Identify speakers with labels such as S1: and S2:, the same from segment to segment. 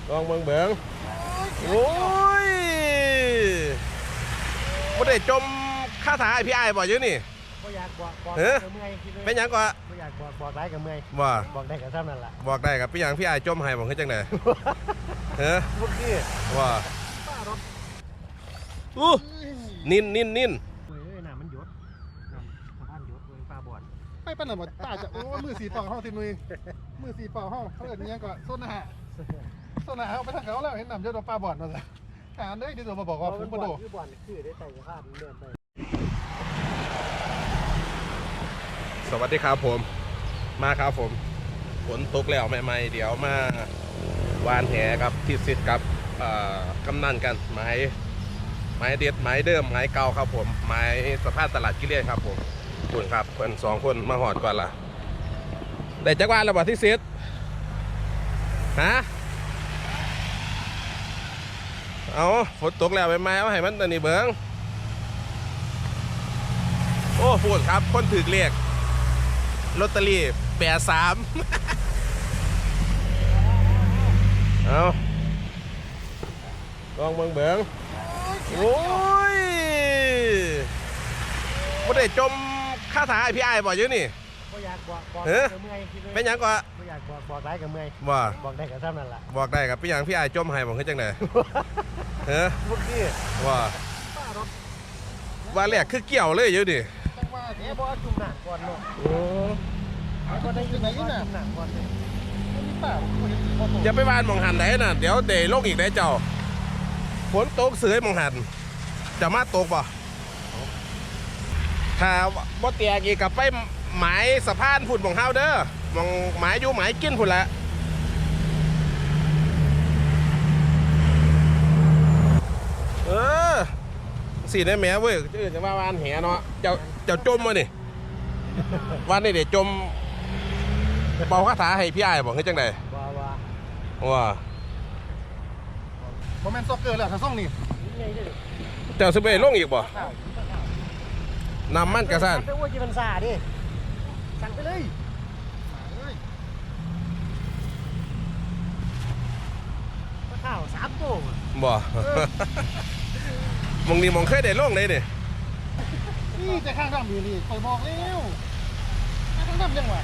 S1: ลองเบิ่งโอ้ยบ่ได้จมคาถาไอพี่ไอ้บ่อยู่นี่
S2: บ่อยากบอก
S1: เฮ้ย
S2: เมื่อย
S1: เป็นหยังก็
S2: บ่อยากบอกได้กับเมื่อย
S1: บ่
S2: บอกได้กับเท่านั้นแหละ
S1: บอกได้กับพี่หยังพี่ไอ้จมให้บ่คือจังได๋เฮ้ย
S2: พวกนี้
S1: ว่า
S2: ป้ารถ
S1: นิน
S2: เฮ้ยน้ำมันหยดน้ำสะพานหยดเว้ยปลาบอด
S3: ไม่ปั้นหน่อยหมดตาจะโอ้มือสีเป่าห้องทีมือมือสีเป่าห้องเขาเอิญยังก็โซนอาหารเอาไปทางเขาแล้วเห็นน้ำเยอะโดนปลาบอดมาเลยเด้ที่ตัวมาบอกว่าผมกระโดด
S2: คือบอดคือได้ใส่สะพานเลื่อนไป
S1: สวัสดีครับผมมาครับผมฝนตกแล้วใหม่ๆเดี๋ยวมาวานแหครับที่สิทธิ์กับกำนันกันไม้เด็ดไม้เดิมไม้เก่าครับผมไม้สะพานตลาดกิเลสครับผมคุณครับเพื่อน2 คนมาหอดก่อนล่ะได้จักรวาลแล้วบ่ที่สิทธิ์ฮะเอาฝนตกแล้วใหม่ๆเอาให้มันตอนนี้เบิ้งโอ้พูดครับคนถือเลขลอตเตอรี่83เอาลองเบิ่งโอ้ยบ่ได้จมคาถาไอพี่ไอ้บ่อยู่นี่
S2: บ่อยากบอก
S1: เฮ้ย
S2: กับเมื่อย
S1: เป็นหยังก็
S2: บ่อยากบอกได้กับเมื่อย
S1: บ่
S2: บอกได้กับเท่านั้นแหละ
S1: บอกได้กับพี่หยังพี่ไอ้จมให้บ่คือจังได๋เฮ้ย
S2: พวกนี้
S1: ว่า
S2: ป้ารถ
S1: ว่าแรกคือเกี่ยวเลยอยู่ดิ
S3: จังว่า
S2: เดี๋ยวบ่จุ่มหนักก่อนเนาะ
S1: โอ้
S2: บ่ได้อยู่ไหนจุ่มหนักก่อนเลย
S3: มีป่าผมเห็นพอโต
S1: อย่าไปวานหม่องหันได้น่ะเดี๋ยวเดลงอีกได้เจ้าฝนตกเสือหม่องหันจะมาตกบ่ถ้าบ่แตกอีกก็ไปหมายสะพานพุ่นหม่องเฮาเด้อหม่องหมายอยู่หมายกินพุ่นละสิได้แม่เว้ยจะว่าวานแหเนาะเจ้าจมมานี่วันนี้เดี๋ยวจมเป่าคาถาให้พี่อ้ายบอกให้จังไดว่า
S3: โมเมนต์ซ็อกเกอร์แล้วถ้าส่งนี่
S1: เจ้าสิไปลงอีกบ่นำมันกระสัน
S2: ไปอ้วยจีบันซาดิสั่งไปเลยข้าว3 ตัว
S1: บ่มองนี่มองเคยได้ลงเลยดิ
S3: นี่จะข้างดำอยู่นี่คอยบอกแล้วข้างดำยังวะ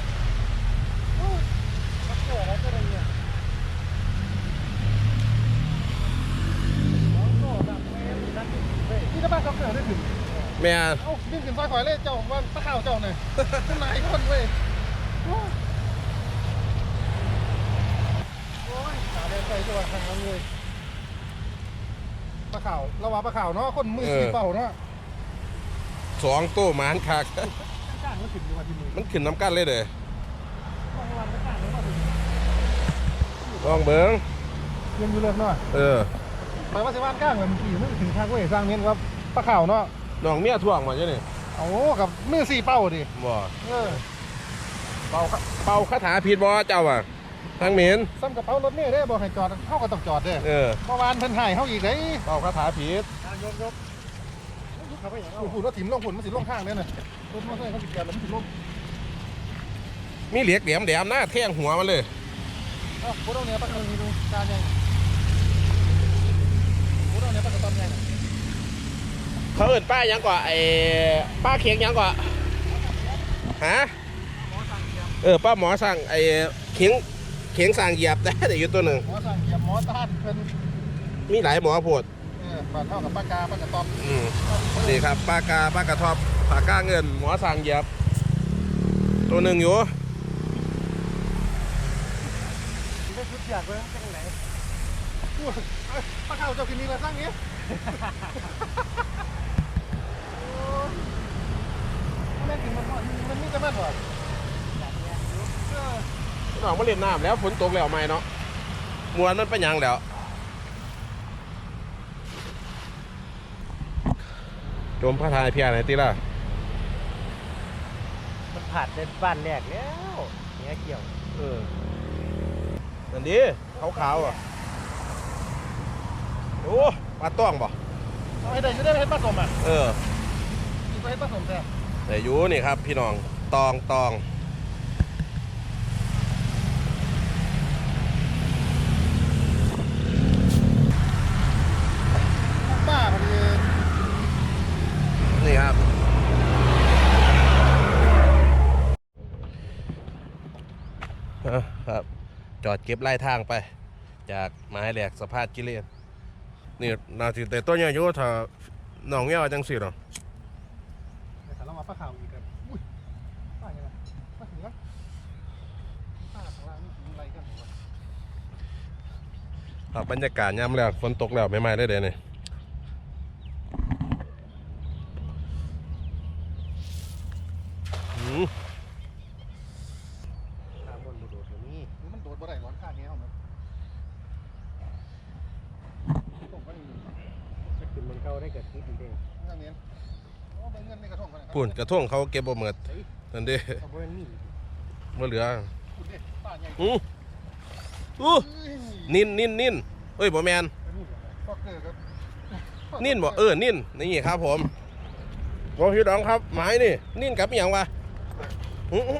S2: มาเกิดแล้วก็เลยเนี่ย
S3: นี่ถ้าบ้านซ็อกเกอร์ได้ถึง
S1: แม่
S3: เอ้าดิ้นขึ้นซอยคอยเลยเจ้าว่าตะข่าวเจ้าหน่อยขึ้นมาอีกคนเว้ยโอ้ยขาแดงใจจังหวะทางนั้นเลยปลาข่าวเราว่าปลาข่าวเนาะคนมือสีเป่าเนาะ
S1: 2 ตัวหมานคัก
S3: ก้านมันขึ้นอยู่ว่าที่มือ
S1: มันขึ้นน้ำกันเลยเด้อ
S3: ลองวันก้านมันว่าถึง
S1: ลองเบิ่ง
S3: ยังอยู่เลยเนาะหมายว่าสิว่านก้างแบบมันขี่มันถึงทางเว้ยสร้างเน้นว่าปลาข่าวเนาะ
S1: น้องเมียท่วงมาจ้ะนี่
S3: โอ้กับมือสีเป่าดิ
S1: บ่
S3: เป่า
S1: เป่าคาถาผิดบ่เจ้าอ่ะทางเหม็น
S3: ซ้ำกระเป๋ารถเมล์ได้บอกให้จอดเข้าก็ต้องจอดเด้
S1: เ
S3: มื่อวานเพิ่นถ่ายเข้าอีกได้
S1: เป่าคาถาผิด
S2: ยกเขาไปอย่างเอา
S3: ฝุ่นรถถิ่มลงฝุ่นมันสิลงข้างเนี่ยนะรถมอเตอร์ไซค์เขาติดกันแล้วมันสิลง
S1: มีเหลียกแหลมๆนะแทงหัวมันเลย
S3: เอ้าโคตรเนี่ยปักมันมีดูการยังโคตรเนี่ยปักกระตอมยัง
S1: เขาเอิ้นป้ายังกว่าไอ้ป้าเคียงยังกว่าฮะป้าหมอสั่งไอ้เคียงสั่งเหยียบแต่อยู่ตัวหนึ่ง
S3: หมอสั่งเหยียบหมอต้านเพิ่น
S1: มีหลายหมอโพด
S3: บาดเท่ากับปากกาปากกระตอม
S1: นี่ครับป้ากระทบปากก้าเงินหมอสั่งเหยียบตัวหนึ่งอยู่
S2: ได้ชุดอยากเลยจังไหน
S3: ปลาข่าวเจ้ากินนี่ละสร้างนี้แม่กินมันมีแต่แม่นวะ
S1: น้องมาเล่นน้ำแล้วฝนตกแล้วไหมเนาะมวนมันเป็นยังแล้วจมพระทายเพียรไหนตีล่ะ
S2: มันผ่านในบ้านแรกแล้วเนี่ยเกี่ยว
S1: นั่นดิขาวๆอ่ะโอ้ปลาต้องบ่
S3: เอาให้ได้จะได้ให้ผสมอ่ะ กินไปให้ผสมแท้
S1: แต่อยู่นี่ครับพี่น้องตองจอดเก็บไล่ทางไป จากไม้แหลกสะพานกิเลนนี่นาทีแต่ต้นใหญ่อยู่ถ้าหนองเงี้ยจังสิหรอ
S3: แต่ถ้าเรามาปลาขาวอีกกันอุ้ยปลาอย่างไรปลาเสือปลาข้างล่างนี่อะไรกันหรอ
S1: ครับบรรยากาศยามแลกฝนตกแล้วไม่ไหม้ได้เลยเนี่ยอืม
S2: ตามบนโดดๆแบบนี้
S3: มันโดดบ่ได้ร้อนข้างนี้เอาไหมตกก็นี่
S2: จะขึ้นมันเข้าได้เกิดคิดอีกเด้ง
S3: เงินเนี้ยโอ้เป็นเงินในกระทงกันนะครั
S1: ปุ่นกระท่วงเขาเก็บบ่หมดนั่นเด้
S2: เอาบนนี่
S1: บ่เหลือ
S3: ปุ่นเด็ดปลาใหญ่
S1: อู้นิ่นเอ้ยบ่แมน
S3: ฟอกเกอร์ครับ
S1: นิ่นบ่นิ่นนี่ครับผมบ่พี่น้องครับหมายนี่นิ่นกับอหย่างวะอื้อ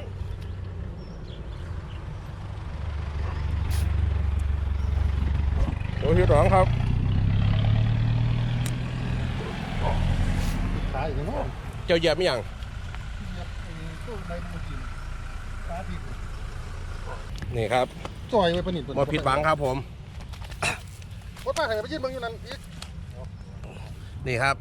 S1: บ่พี่น้องครับ
S3: ขาอีกแล้ว
S1: เจ้าเหยียบอหย่าง
S3: ตู้ใบมือกินปลาผิด
S1: นี่ครับ
S3: จอยไว้ปนิด
S1: บ่ผิดหวังครับผม
S3: วัดป้าไข่ไปยืนเบิ่งอยู่นั่นอีก
S1: นี่ครับ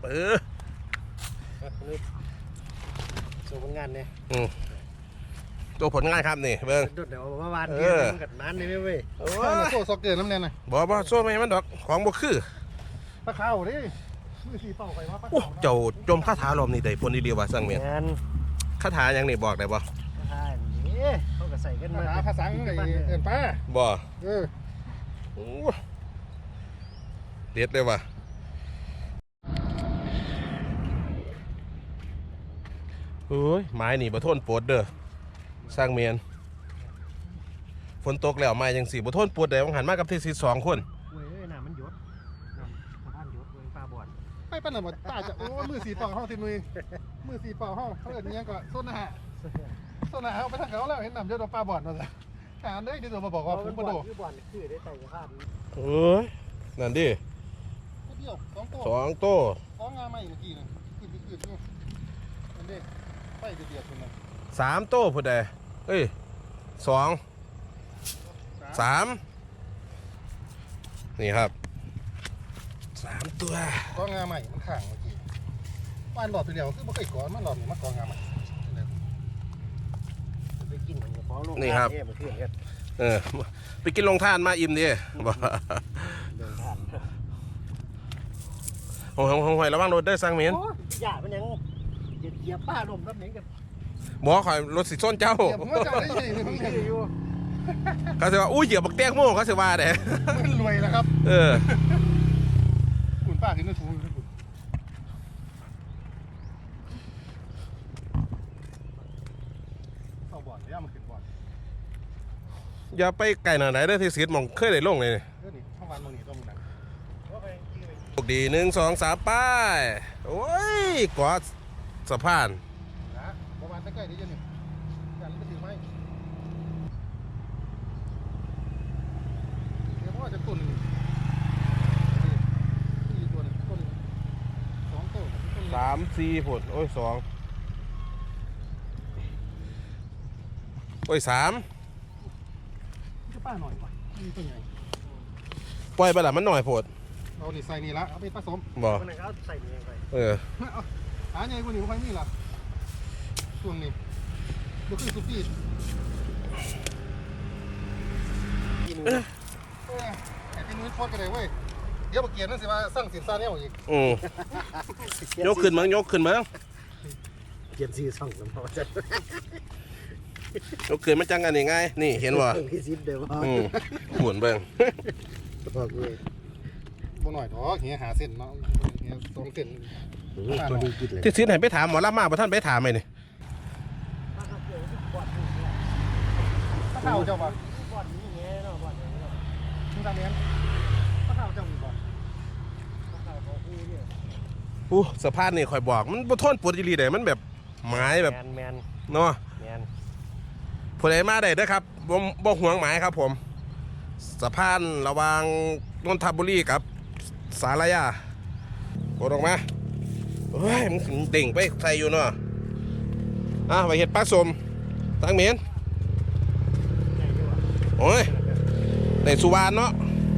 S2: ส่งผลงานเนี่ย
S1: ตัวผลงานครับนี่เบิ่ง
S2: โดดเดี๋ยวเมื่อวานเดียวมันกัดนั้นเลยเว้ย
S1: โอ้
S3: โซ่ซอกเกอร์น้ำแน่น่ะ
S1: บ่โซ่ไม่ให้มันดอกของบ่คือ
S3: ปลาขาวดิมือสีเป่าไข่ว่าปลา
S1: โอ้
S3: ขาว
S1: เจ้าจมคาถาลมนี่ได้ผลดีๆว่าสั่งเมียน
S2: งาน
S1: คาถาหยังนี่บอกได้บ่
S2: ใช่นี่เขาก็ใส่กันมา
S3: ภาษาไอ้เอินป้า
S1: บ่
S3: เออ
S1: เด็ดเลยว่ะเฮ้ยไม้นี่บ่ทนปวดเด้อสร้างเมียนฝนตกแล้วไม้จังสิบ่ทนปวดได้หันมากับที่สิ2คน
S2: เว้ยน้ำมันหยดน้ำสะพานหยดเว้ยปลาบอด
S3: ไปปั้นหน่อยป้าจะโอ้มือสีเป่าห้องทีนุยมือสีเป่าห้องเขาเอินยังก็โซนหะเอาไปทางเขาแล้วเห็นนำเยอะตัวปลาบอดมาสิหาได้ดีตัวมาบอกว่าผมกระโดด
S2: คือบอลคือได้ใส่สะพาน
S1: เอ้ยนั่นดิ
S3: เดียว2 ตัว
S1: 2โต้
S3: 2งาใหม่เมื่อกี้นึงขึ้นอยู่อันนี้ไปเดือดคนนึง
S1: 3โต้พุ่นใดเอ้ย2 3นี่ครับ3ตัว
S3: 2งาใหม่มันข้างเมื่อกี้บ้านหลอดไปเดียวคือบ่เคยก่อนมันหลอดนี่มันกองงาใหม่
S2: ไปกินของฟ้องลูกมันขึ้นกัน
S1: ไปกินลงทานมาอิ่มดิบ่
S2: เดินผ่าน
S1: หอยระวังรถได้อสร้างเมียน
S2: หยามันยังเหยียบป้าลมรับเหม็นกัน
S1: บอกข่อยรถสิส้นเจ้า
S3: เดี๋ยวผมว่าจะได้ยินมัน
S2: อยู่
S1: เขาสิว่าอุ้ยเหยียบบักแตงโม่เขาสิว่าเด้
S3: มันรวยแล้วครับ
S1: เออ
S3: คุณป้าขึ้นในถุงอยู่เข้าบ่อนแล้วมันขึ้นบ่อน
S1: อย่าไปไกลหน่อยไหนได้อที่สีดมองเคยได้ลงเลยนี่
S3: เออนี่ข้างวันตรงนี้ต้องมีนั่น
S1: โชคดี1 2 3ป้ายโอ้ยกอดสะพาน
S3: นะประมาณใกล้ๆนี้จะหนึ่งกันไปถือไม้เดี๋ยวว่าจะตุ่นนี่ตัวนึงต้น2 ตัวต้น
S1: 3 4ผลโอ้ย2โอ้ย3
S3: จะป้าหน่อยว่ะนี่ตัวใหญ่
S1: ปล่อยไปละมันหน่อยโพด
S3: เอานี่ใส่นี่ละเอาไปผสม
S1: บ่
S2: คนนั้นเขาใส่เองไป
S1: เออ
S3: หาใหญ่กว่านี้บ่ค่อยมีล่ะช่วงนี้บ่คือสุกี้
S2: กิน
S3: ไอ้พี่นุ้ยโคตรกันเลยเว้ยเดี๋ยวบ่เกียรนั่นสิว่าสร้างสินซาเนี่ยอีก
S1: ยกขึ้นมั้งยกขึ้นมั้ง
S2: เกียนซีซ่องสมองจะ
S1: ยกขึ้นมันจังกันยังไงนี่เห็นบ่
S2: พี่ซิดเดี๋ยวว่า
S1: หมุนเบิ่ง
S2: บอกเลย
S3: บ่หน่อยดอกเฮียหาเส้นเนาะเฮีย2เส้น
S2: ตัวดีกินเลย
S1: ที่ซื้อไหนไปถามหมอลำมาบ่ท่านไปถามไหมนี่
S3: ถ้าข้าวเจ้าบ่
S2: บอลนี่ไงเนาะบอลนี่เนาะ
S3: มึงตามเนี้ยถ้าข้าวเจ้ามีบ่
S2: เขาเขาคู่เนี่ย
S1: อู้สะพานนี่ข่อยบอกมันบ่ทนปวดอีหลีได้มันแบบหมายแบบ
S2: แมน
S1: เนาะ
S2: แมน
S1: ผู้ใดมาได้เด้อครับบ่ห่วงหมายครับผมสะพานระหว่างนนทบุรีกับสารยากดออกมาเฮ้ยมันเต่งไปใส่อยู่เนาะไปเฮ็ดปลาสมตั้งเมียน
S2: ใหญ่ด้วย
S1: โอ้ยแต่สุวรรณเนาะ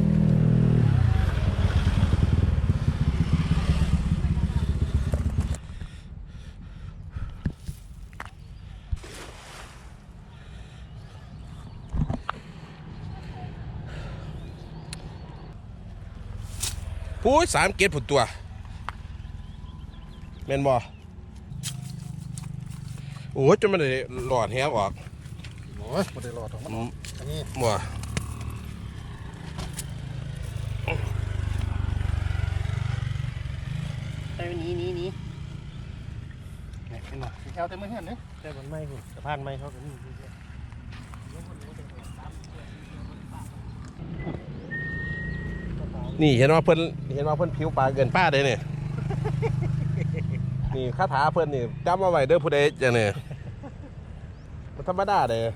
S1: พูด3 เกตผุดตัวแม่นบ่โอ้ยจนมันได้หลอดแหงออก
S3: โอ้ยบ่ได้รอดหรอกมันอันนี้
S1: บ่
S2: แต่นี้เห็นบ่
S3: แอลเต็มมือเห็นเนี่ย
S2: แต่มันไม่หุ่นสะพานไม่เขาก็มี
S1: นี่เห็นว่าเพิ่นผิวปลาเกินป้าเลยเนี่ย นี่คาถาเพิ่นนี่จำมาไว้เด้อผู้ใดจังเนี่ยมันธรรมดาเลย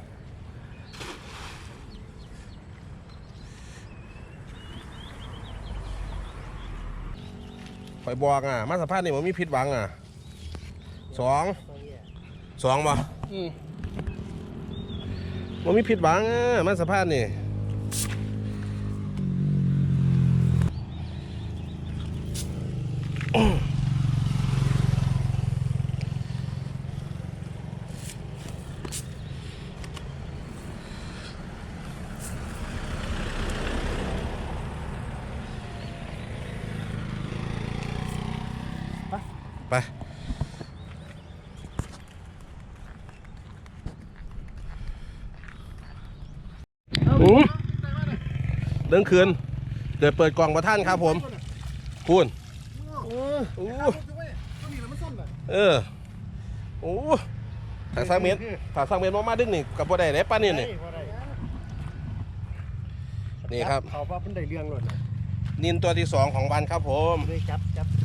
S1: ข่อยบอกอ่ะมาสะพานนี่มันมีผิดหวังอ่ะสองบ่มันมีผิดหวังอ่ะมาสะพานนี่ไปเดินคืนเดี๋ยวเปิดกล่องประท่านครับผมคุณโอ้โอ้ถ้า3 เมตรมาดึงนี่กับบ่ได้ได้ป้านี่นี่นี่ครับ
S2: เขาว่าเพิ่นได้เรื่องหล่นน่ะ
S1: นินตัวที่ 2ของวันครับผม
S2: เลยจับ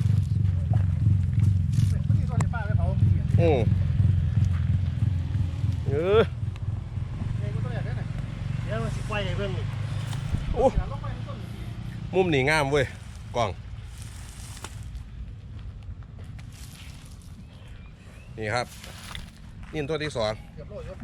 S3: นี่ตัวเดียวป้าไปเผา
S1: อือเออ
S3: เองก็ตัวใหญ่ได้ไหน
S2: เดี๋ยวมันสิปล่อยให้เบิ่งนี่
S1: โอ้มุมนี่งามเว้ยกล่องนี่ครับนินตัวที่ 2
S3: เกือบโลดยศ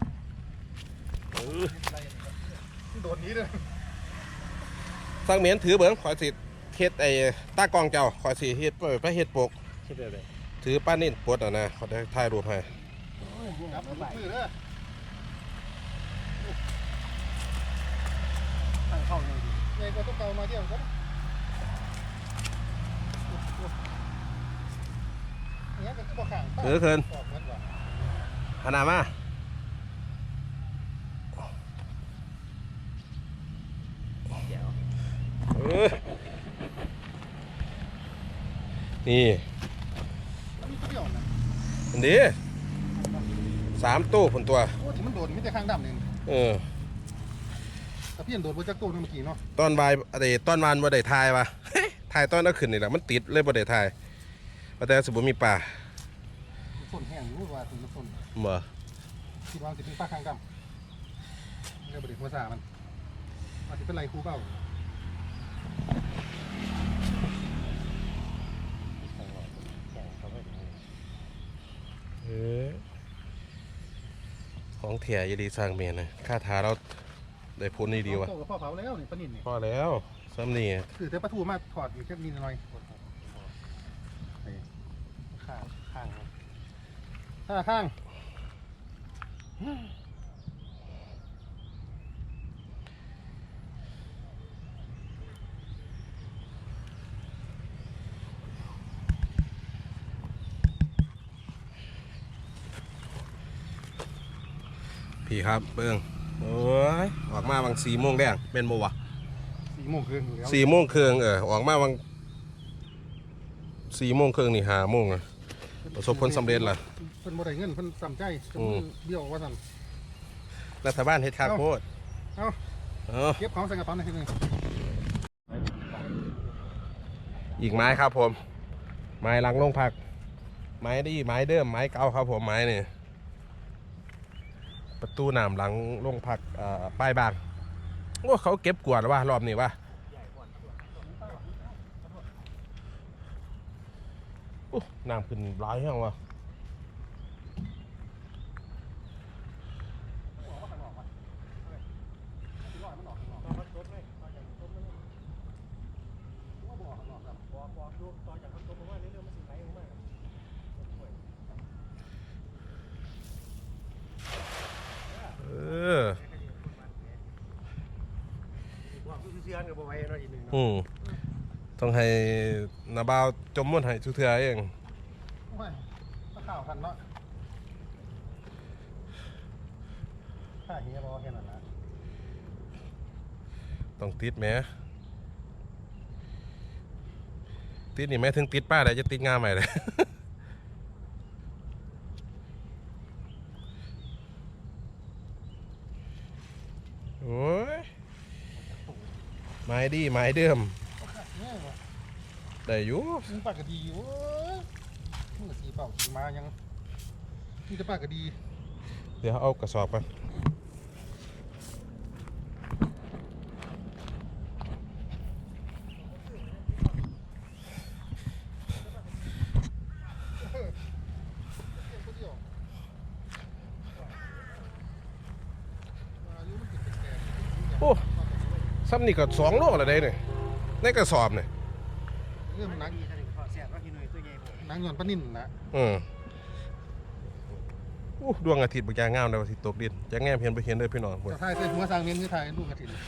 S3: โดนนี้เลย
S1: สังเมียนถือเบิ้งขอยสิเฮ็ดไอ้ตากล้องเจ้าขอยสิเฮ็ดไปเฮ็ดปก
S2: คิดได้เลย
S1: ถือป้านิ่นปลดอ่ะนะเขาได้ถ่ายรูปให้
S3: ครับมือเด้อ
S2: ทางเข้าเลยดิ
S3: เองก็ต้องเกามาเที่ยวกันเนี่ยก็บ่ข้าง
S1: ถือคืน
S3: ออกมันว่ะ
S1: ขนาดมานี่
S3: มีเที่ยวนะ
S1: อันนี้3 ตู้ผลตัว
S3: โอ้ที่มันโดนมีแต่ข้างดำนี่
S1: เออ
S3: แต่พี่เห็นโดนบนจักรตู้นั่นเมื่อกี้เนาะ
S1: ตอนวายอะไรตอนวานบ่ได้ถ่ายวะ ถ่ายตอนนั้นขึ้นนี่แหละมันติดเลยบ่ได้ถ่ายแต่สมมุติมีป่า
S3: ส้นแห้งรู้ว่าถึงมันส้น
S1: บ่
S3: คิดว่าสิเป็นป้าข้างดำเรียกบริษัทภาษามันว่าสิเป็นไรครูเปล่า
S1: เออของเถี่ยอยดีสร้างเมียนะค่าทาเราได้พ้นนี่ดีวะ
S3: โตกับพ่อเผาแล้วนี่ปนินนี่
S1: พอแล้วซ้ำนี่
S3: คือแต่ปลาทูมาถอดอยู่แค่นิดหน่อย
S2: ข้างข้าง
S3: ข้าง
S1: พี่ครับเบิ้งโอ้ยออกมาบาง4 โมงแดงเป็นโมวะ
S3: 4 โมงครึ่งอยู่แล้ว
S1: 4 โมงครึ่งออกมาบาง4 โมงครึ่งนี่5 โมงอะประสบผลสำเร็จล่ะ
S3: เพิ่นบ่ได้เงินเพิ่นสำใจจนเบี้ยวว่าสั่น
S1: รัฐบาลเฮ็ดค่าโคตร
S3: เอา
S1: เออ
S3: เก็บของใส่กระเป๋าหน่อยทีนึง
S1: อีกไม้ครับผม ไม้หลังลงผัก ไม้ดีไม้เดิมไม้เก่าครับผมไม้นี่ประตูน้ำหลังลงผักป้ายบางโอ้เขาเก็บกวาดว่ารอบนี้ว่าโอ้น้ำขึ้นร้ายแห้งว่ะ
S2: ว่าคือเสียนกับบ่ไหวเนาะอีกหนึ่งเนาะ
S1: ต้องให้นาบ่าวจมมุ่นให้ทุกเทื่อเอง
S3: ไม่ถ้าข่าวทันเนาะข้าเฮียบอกแค่นั้นนะ
S1: ต้องติดแหมติดนี่แม้ถึงติดป้าได้จะติดงามใหม่เลย โอ้ยไม้ดีไม้เดิม
S3: เนี่ยว่ะ
S1: ได้อยู่
S3: มึงปากกะดีอยู่เว้ยมือสีเปล่าสีมายังนี่จะปากกะดี
S1: เดี๋ยวเอากระสอบไปโอ้ซ้ำนี่ก็2 โลละได้เนี่ยในกระสอบเนี่ย
S3: เรื่องนัก
S2: ดีท่านขอแซ่บว่าพี่หนุ่ยตัวใหญ่ผม
S3: นักหย่อนปลานิ่นนะ
S1: ดวงอาทิตย์บางอย่างงามเลยอาทิตย์ตกดินจะแง่เพียนไปเห็นเลยพี่น้อง
S3: จะถ่ายใส่หัวสร้างเมียนคือถ่ายลูกกระถิ่น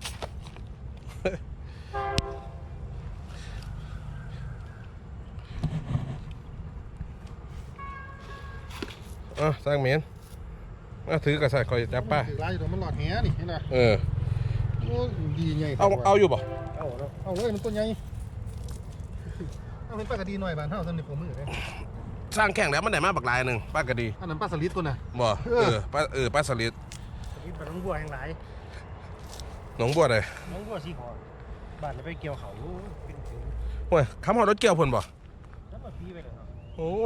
S1: สร้างเมียนถือกระสายคอยจับป้า
S3: ถือลายอยู่ตรงมันหลอดแหนี่เห็นไหม
S1: เออ
S3: โอ้ดีไง
S1: เอาอยู่บ่
S2: เอาเนาะ
S3: เอาเลยมันตัวใหญ่เอาเป็นปลากระดีหน่อยบานเท่าสำหรับผมมือเลย
S1: สร้างแข่งแล้วมันได้มาบักลายหนึ่งป้าก็ดี
S3: อันนั้นปลาสลิดตัวน่ะ
S1: บ่ป้าสลิด
S2: สวิตบ้านน้องบัวแห่งหลาย
S1: หนองบัวเลย
S2: น้องบัวสีขอบ้านไปเกี่ยวเขาเป็นถึง
S1: โอ้ยคำหอดรถเกี่ยวเพิ่นบ่
S2: แล้วมาพี่ไปเลยเนาะ
S1: โอ้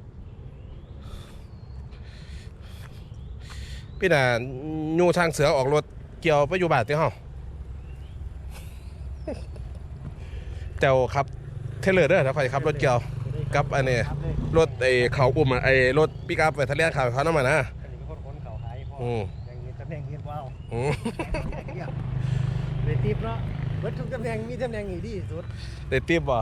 S1: พี่น่ะยูทางเสือออกรถเกี่ยวไปอยู่บ้านที่เฮาเจ้าครับเทเลอร์เด้อถ้าใครขับรถเกี่ยวกับอันนี้รถเขาอุ้มรถปิกอัพไปทะเลเขาเขานำมานะ
S2: อันนี้เป็นคนเขาขายพ่ออย่างนี้ตำแหน่งเงินว้าวเลยติบเนาะเบิดทุกตำแหน่งมีตำแหน่งอีดีสุด
S1: ได้ติบบ่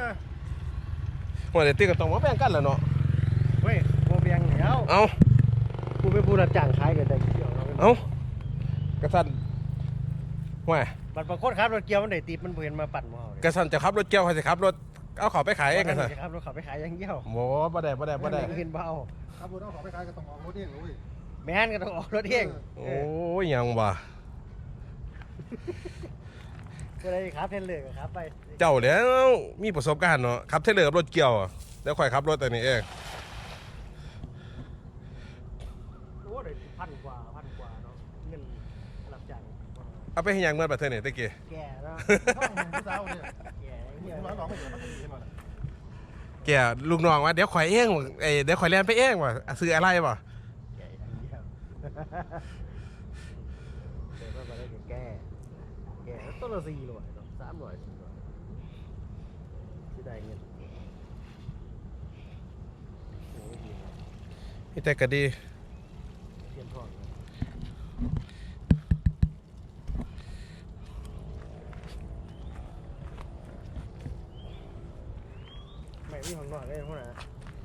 S1: ว่าได้ติบก็ต้องมาแบ่งกันแหล้วเนาะ
S2: เว้ยโมเบียงแล้ว
S1: เอา
S2: กูเป็นผู้รับจ้างขายกันแต่เกี่ยวเรา
S1: เอากระสันว่า
S2: บัตรประคนครับรถเกี่ยวมันได้ติบมันเห็นมาปั่นมาเอา
S1: กระสันจะขับรถเกี่ยวใครจะขับรถเอาเขาไปขายเองกระสัน
S2: ครับรถเขาไปขายอย่างเดียว
S1: โหบ่ได้
S2: เงินเบา
S3: ครับรถเอาของไปขายก็ต้องออกรถเองเลย
S2: แม่นก็ต้องออกรถเอง
S1: โอ้ยยังว่ะ
S2: ก็เลยครับเทนเลยครับไป
S1: เจ้าแล้วมีประสบการณ์เนาะขับเทเลอร์กับรถเกี่ยวอะแล้วค่อยขับรถแต่นี้เอง
S2: โอ้เลยพันกว่าเนาะเงินรับจ้าง
S1: เอาไปให้ยังเมื่อประเทศไหนตะกี้
S2: แก่แล้ว
S3: ห้องมึงผู้สาวเนี่ย
S2: แก่
S3: มึ
S2: เงี้ย
S3: งร้านหลอกไม่เหลือปลากระดีใช่ไหม
S1: แกลูกน้องว่าเดี๋ยวข่อยเองเดี๋ยวข่อยเรียนไปเองว่ะซื้ออะไรบ่
S2: แก่อย่างเดียวเดี๋ยวก็มาได้แก่แล้วต้นละ400เนาะ300 400ที่ได้เงินโอ้ยดีนะ
S1: นี่แต่ก็ดี
S2: เตรียมพร้อมไม่มีของนอกได้พวกนั้น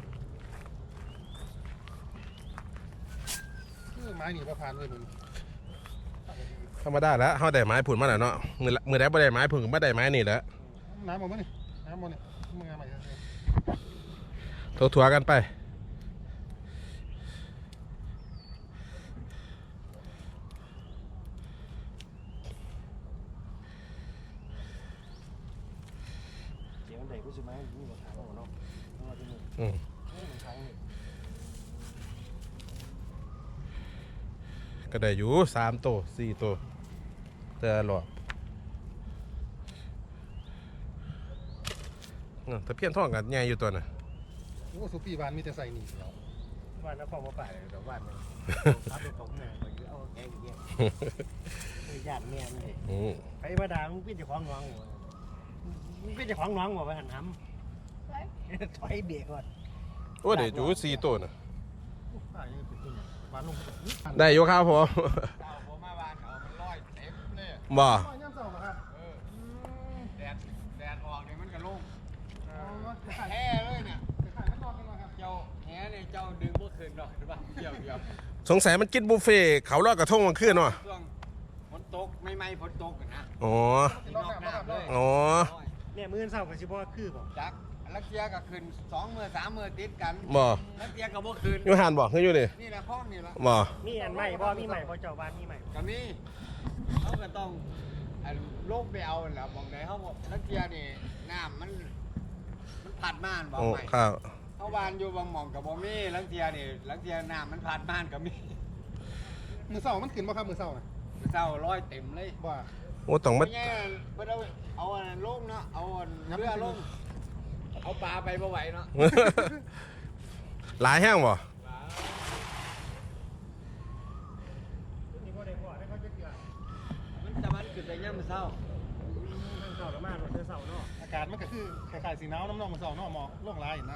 S3: ไม้หนีประพานเลยมึง
S1: ธรรมดาแล้วเฮาได้ไม้ผุนมาแล้วเนาะมือได้บ่ได้ไม้ผุนก็บ่ได้ไม้นี่แหละ
S3: น้ำหมดมั้ยนี่น้ำหมดนี่มึงเอาใหม่
S1: ถั่วๆกันไป
S2: เดี๋ยวเด็กผู้ชายมีหมดทางเนาะว่าที่นี่
S1: อืม
S2: ทางนี่
S1: ก็ได้อยู่3 ตัว 4 ตัวแต่หลอดแต่เพี้ยนท้องกันใหญ่อยู่ตัวน่ะ
S3: โอ้สุปีบานมีแต่ใส่หนีแล้ว
S2: บ้านนครมาป่าเลยแต่บ้านนึงครับเป็นของแม่ไปเอาแกงเงี้ยไปญาติแม่เลย
S1: อืม
S2: ไปมาด่ามึงเป็นเจ้าของน้องมึงเป็นเจ้าของน้องบ่ไปหันห้ำถอยเบรกก่อน
S1: โอ้เดี๋ยวอยู่4 ตัวน่ะ
S3: ป้ายังเป็นตัวบ้านลง
S1: ได้อยู่ครับผม
S4: ผมมาบ้านเขามันลอยเต็มเลย
S1: บ่
S3: ย่ำเสาครับ
S4: แดดออกเนี่ยมันก็ลง
S3: ขาย
S4: แห่เลยเนี่ย
S3: ขายไม่นอนกันหรอครับ
S4: เจ้าแห่เนี่ยเจ้าดึงเมื่อคืนหรอกหรือเปล่าเกี่ยว
S1: สงสัยมันกินบุฟเฟ่ต์เขาลอดกระทงมันขึ้นเนาะ
S4: ช่วงฝนตกไม่ใหม่ๆฝนตกอะนะ
S1: อ๋อ
S3: สินอกน้ำนะครับเลย
S1: อ๋อ
S2: เนี่ยมื้อเช้าก็สิบ่คือบ่
S4: จักลักเทียก็ขึ้น2 มื้อ3 มื้อติดกัน
S1: บ่
S4: ลักเทียก็บ่ขึ้น
S1: อยู่หันบ่คืออยู่นี่
S4: นี่แหละห้องนี่ละ
S1: บ่
S2: มีอันใหม่บ่มีใหม่บ่เจ้าบ้านมีใหม่บ่
S4: ก็มีเขาก็ต้องอันลงไปเอาแล้วมองไหนเขาบอกลักเทียนี่น้ำมันผัดม่านบอก
S1: โอ้
S4: ใหม่
S1: ครับ
S4: เขาวานอยู่บางหม่องกับบ่มีลักเทียนี่ลักเทียน้ำมันผัดม่านก็มี
S3: มือเสามันขึ้นบ่ครับมือเสาน่ะ
S4: เจ้าร้อยเต็มเลย
S3: บ่
S1: โอ้ต้องมา
S4: ไม่ใช่เพิ่นเอาอันนั้นลงเนาะเอาอันเรือลงเอาปลาไปบ่ไหวเนาะ
S1: หลายแห้งบ่
S2: นี่บ่ได้บ่ได้เขาจะเกลือ
S4: มันจะมันขึ้นแต่ย่ำเศร้า
S2: ทางเช้าก็มาเด้อเช้าเนาะ
S3: อากาศมันก็คือคล้ายๆสีหนาวน้ำนองมือเสาเนาะหมอกโล่งลายนะ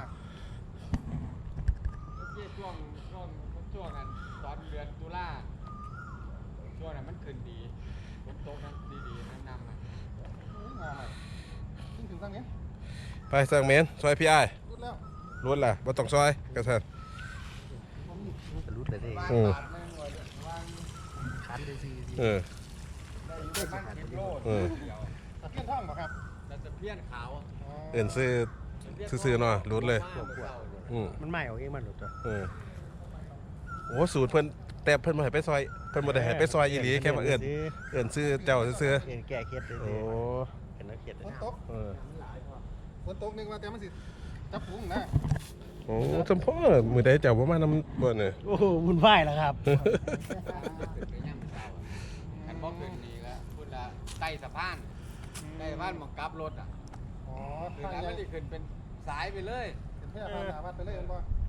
S4: เมื่อกี้ช่วงนั้นตอนเดือนตุลาช่วงนั้นมันขึ้นดีฝนตกนั้นดีๆนั่นนำนะ
S3: งาใหม่ขึ้นถึงตั้งนี้
S1: ไปสั่งเมนซอยพี่อ้าย
S3: รุดแล้ว
S1: รุดล่ะบ่ต้องซอยกระเทิน
S2: มันก็รุดเลยเด้
S4: วาง
S1: อืม
S4: บาทหนึงไว้วาง
S2: คันได้ซี่
S1: เออ
S4: ได้อยู่ประมาณ10 โล
S1: เออ
S4: เดียว
S3: ตะเกียนท่องบ่ครับ
S4: แต่จะเพี้ยนขาว
S1: เอื่นซื้อ ซื่อๆเนาะรุดเลย อืม
S2: มันใหม่เอาเองมันหลุดจ้ะ
S1: เออโอ้สูตรเพิ่นแต่เพิ่นบ่ให้ไปซอยเพิ่นบ่ได้ให้ไปซอยอีหลีแค่ว่าเอื่นซื้อเจ้าซื่อ
S2: เอ็นแก้เคล็ดเลย
S1: ๆโอ้
S2: เห็นแล้วเคล็ด
S3: ฝนตก
S1: เออ
S3: ฝนตกนึกว่าแต่มันสิจับฝูงนะ
S1: โอ้จำพ่อมื้อใดเจ้าบ่มานำบ่เนี่ย
S2: โอ้โหวุ่นวายแล้วครับ
S4: ขึ้นไปย่ำเศร้าอันบ่ขึ้นนี่แล้วพุ่นละใต้สะพานใต้สะพานหมองกลับรถอ่ะ
S3: อ๋อ
S4: คือ
S3: ทาง
S4: แล้ว
S3: ใหญ่
S4: มันสิขึ้นเป็นสายไปเลย
S3: เป็นแพร่พาหนาวัดไปเลยเห็นบ่